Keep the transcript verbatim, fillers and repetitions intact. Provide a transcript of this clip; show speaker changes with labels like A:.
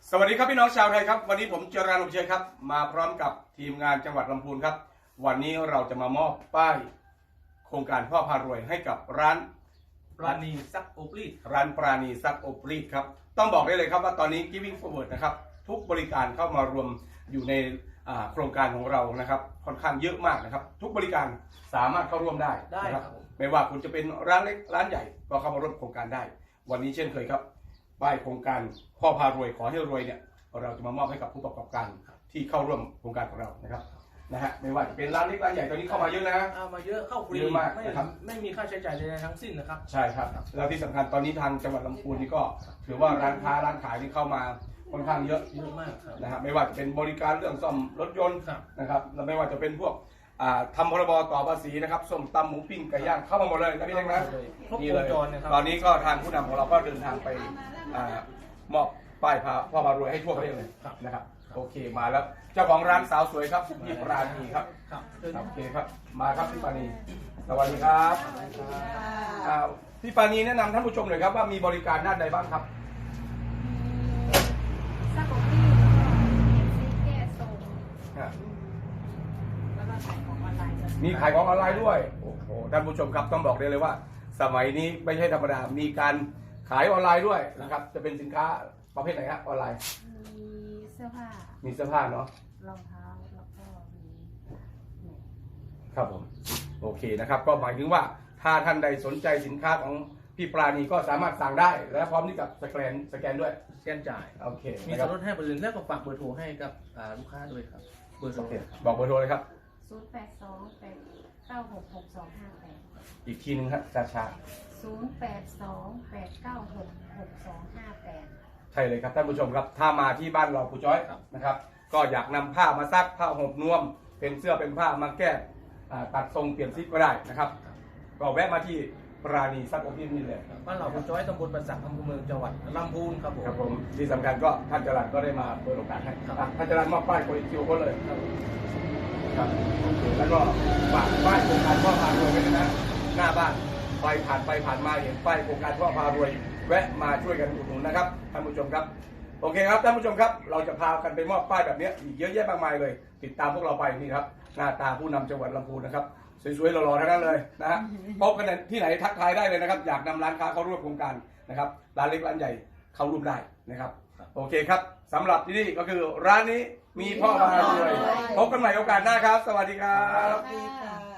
A: สวัสดีครับพี่น้องชาวไทยครับวันนี้ผมเจริญอบเชยครับมาพร้อมกับทีมงานจังหวัดลำพูนครับวันนี้เราจะมามอบป้ายโครงการพ่อพารวยให้กับร้าน
B: ปราณีซักโอปรีด
A: ร้านปราณีซักอบรีดครับต้องบอกได้เลยครับว่าตอนนี้ Giving Forward นะครับทุกบริการเข้ามารวมอยู่ในโครงการของเรานะครับค่อนข้างเยอะมากนะครับทุกบริการสามารถเข้าร่วมได้นะครับไม่ว่าคุณจะเป็นร้านเล็กร้านใหญ่ก็เข้ามาร่วมโครงการได้วันนี้เช่นเคยครับป้ายโครงการพ่อพารวยขอให้รวยเนี่ยเราจะมามอบให้กับผู้ประกอบการที่เข้าร่วมโครงการของเรานะครับนะฮะไม่ว่าจะเป็นร้านเล็กร้านใหญ่ตอนนี้เข้ามาเยอะนะ
B: เอามาเยอะเข้าฟรี
A: มากนะครับ
B: ไม่มีค่าใช้จ่ายใดๆทั้งสิ้นนะครับ
A: ใช่ครับแล้วที่สำคัญตอนนี้ทางจังหวัดลำพูนนี่ก็ถือว่าร้านค้าร้านขายที่เข้ามาค่อนข้างเยอะ
B: เยอะมาก
A: นะฮะไม่ว่าจะเป็นบริการเรื่องซ่อมรถยนต์นะครับแล้วไม่ว่าจะเป็นพวกทำพรบต่อภาษีนะครับส้มตำหมูปิ้งไก่ย่างเข้ามาหมดเลยนะพี่เล็กนะนี่เลยตอนนี้ก็ทางผู้นำของเราก็เดินทางไปมอบป้ายพ่อพารวยให้ทั่วประเทศเลยนะครับโอเคมาแล้วเจ้าของร้านสาวสวยครับพี่ปราณีครับโอเคครับมาครับพี่ปราณีสวัสดีครับพี่ปราณีแนะนำท่านผู้ชมหน่อยครับว่ามีบริการด้านใดบ้างครับ
C: ซักอบรีดซีแก้ส่งแล้วก็ขายของออนไลน์
A: มีขายของออนไลน์ด้วยโอ้โหท่านผู้ชมครับต้องบอกได้เลยว่าสมัยนี้ไม่ใช่ธรรมดามีการขายออนไลน์ด้วยนะครับจะเป็นสินค้าประเภทไหนครับออนไลน์
C: มีเสื้อผ้า
A: มีเสื้อผ้าเนาะ
C: รองเท้าแล้วก็มี
A: ครับผมโอเคนะครับก็หมายถึงว่าถ้าท่านใดสนใจสินค้าของพี่ปราณีก็สามารถสั่งได้และพร้อมที่กับสแกนสแกนด้วย
B: สแกนจ่าย
A: โอเค
B: มีส่วนลดให้บริษัทแล้วก็ฝากเบอร์โทรให้กับลูกค้าด้วยครับเบอร์โทร
A: บอกเบอร์โทรเลยครับ
C: ศูนย์แปดสองแปดเก้าหกหกสองห้าแปด
A: อีกทีนึงครับช้าช้า
C: ศูนย์แปดสองแปดเก้าหกหกสองห้าแปด
A: ใช่เลยครับท่านผู้ชมครับถ้ามาที่บ้านเราผู้จ้อยนะครับก็อยากนำผ้ามาซักผ้าห่มนวมเป็นเสื้อเป็นผ้ามาแก้ตัดทรงเปลี่ยนซิปก็ได้นะครับก็แวะมาที่ปราณีซักอบรีดนี่เลย
B: บ้านเราผู้จ้อยตำบลประสักอำเภอเมืองจังหวัดลำพูนครับผม
A: ครับผมที่สำคัญก็ท่านจรัญก็ได้มาเปิดโอกาสให้ท่านจรัญมอบป้ายโปรคิวก็เลยครับแล้วก็ฝากป้ายโครงการพ่อพารวยไว้นะหน้าบ้านไปผ่านไปผ่านมาเห็นป้ายโครงการพ่อพารวยแวะมาช่วยกันอุดหนุนนะครับท่านผู้ชมครับโอเคครับท่านผู้ชมครับเราจะพากันไปมอบป้ายแบบนี้อีกเยอะแยะมากมายเลยติดตามพวกเราไปนี่ครับหน้าตาผู้นำจังหวัดลำพูนนะครับสวยๆหล่อๆทั้งนั้นเลยนะฮะพบกันที่ไหนทักทายได้เลยนะครับอยากนำร้านค้าเข้าร่วมโครงการนะครับร้านเล็กร้านใหญ่เข้าร่วมได้นะครับโอเคครับสำหรับที่นี่ก็คือร้านนี้มีพ่อพารวยพบกันใหม่โอกาสหน้าครับสวัสดีครับ